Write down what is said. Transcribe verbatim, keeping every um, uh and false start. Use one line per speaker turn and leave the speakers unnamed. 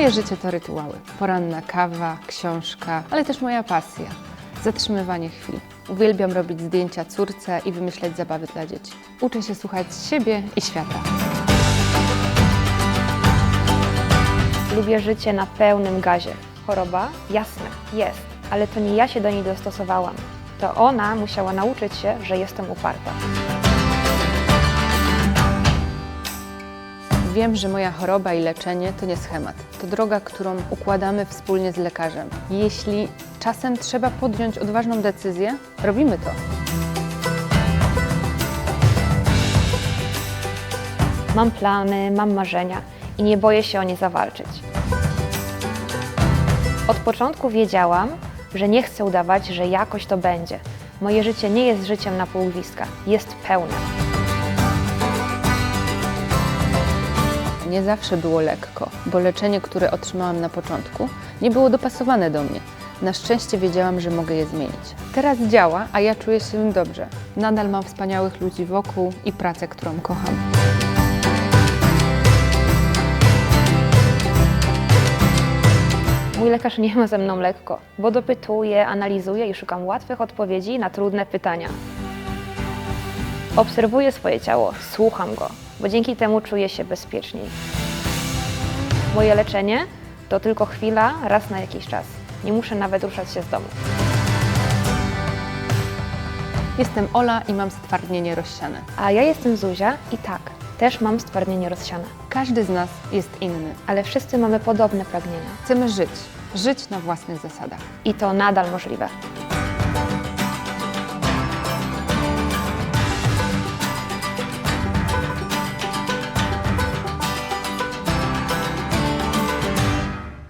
Moje życie to rytuały. Poranna kawa, książka, ale też moja pasja. Zatrzymywanie chwil. Uwielbiam robić zdjęcia córce i wymyślać zabawy dla dzieci. Uczę się słuchać siebie i świata.
Lubię życie na pełnym gazie. Choroba? Jasne, jest, ale to nie ja się do niej dostosowałam. To ona musiała nauczyć się, że jestem uparta.
Wiem, że moja choroba i leczenie to nie schemat. To droga, którą układamy wspólnie z lekarzem. Jeśli czasem trzeba podjąć odważną decyzję, robimy to.
Mam plany, mam marzenia i nie boję się o nie zawalczyć. Od początku wiedziałam, że nie chcę udawać, że jakoś to będzie. Moje życie nie jest życiem na pół gwizdka, jest pełne.
Nie zawsze było lekko, bo leczenie, które otrzymałam na początku, nie było dopasowane do mnie. Na szczęście wiedziałam, że mogę je zmienić. Teraz działa, a ja czuję się dobrze. Nadal mam wspaniałych ludzi wokół i pracę, którą kocham.
Mój lekarz nie ma ze mną lekko, bo dopytuję, analizuję i szukam łatwych odpowiedzi na trudne pytania. Obserwuję swoje ciało, słucham go, bo dzięki temu czuję się bezpieczniej. Moje leczenie to tylko chwila, raz na jakiś czas. Nie muszę nawet ruszać się z domu.
Jestem Ola i mam stwardnienie rozsiane.
A ja jestem Zuzia i tak, też mam stwardnienie rozsiane.
Każdy z nas jest inny.
Ale wszyscy mamy podobne pragnienia.
Chcemy żyć. Żyć na własnych zasadach.
I to nadal możliwe.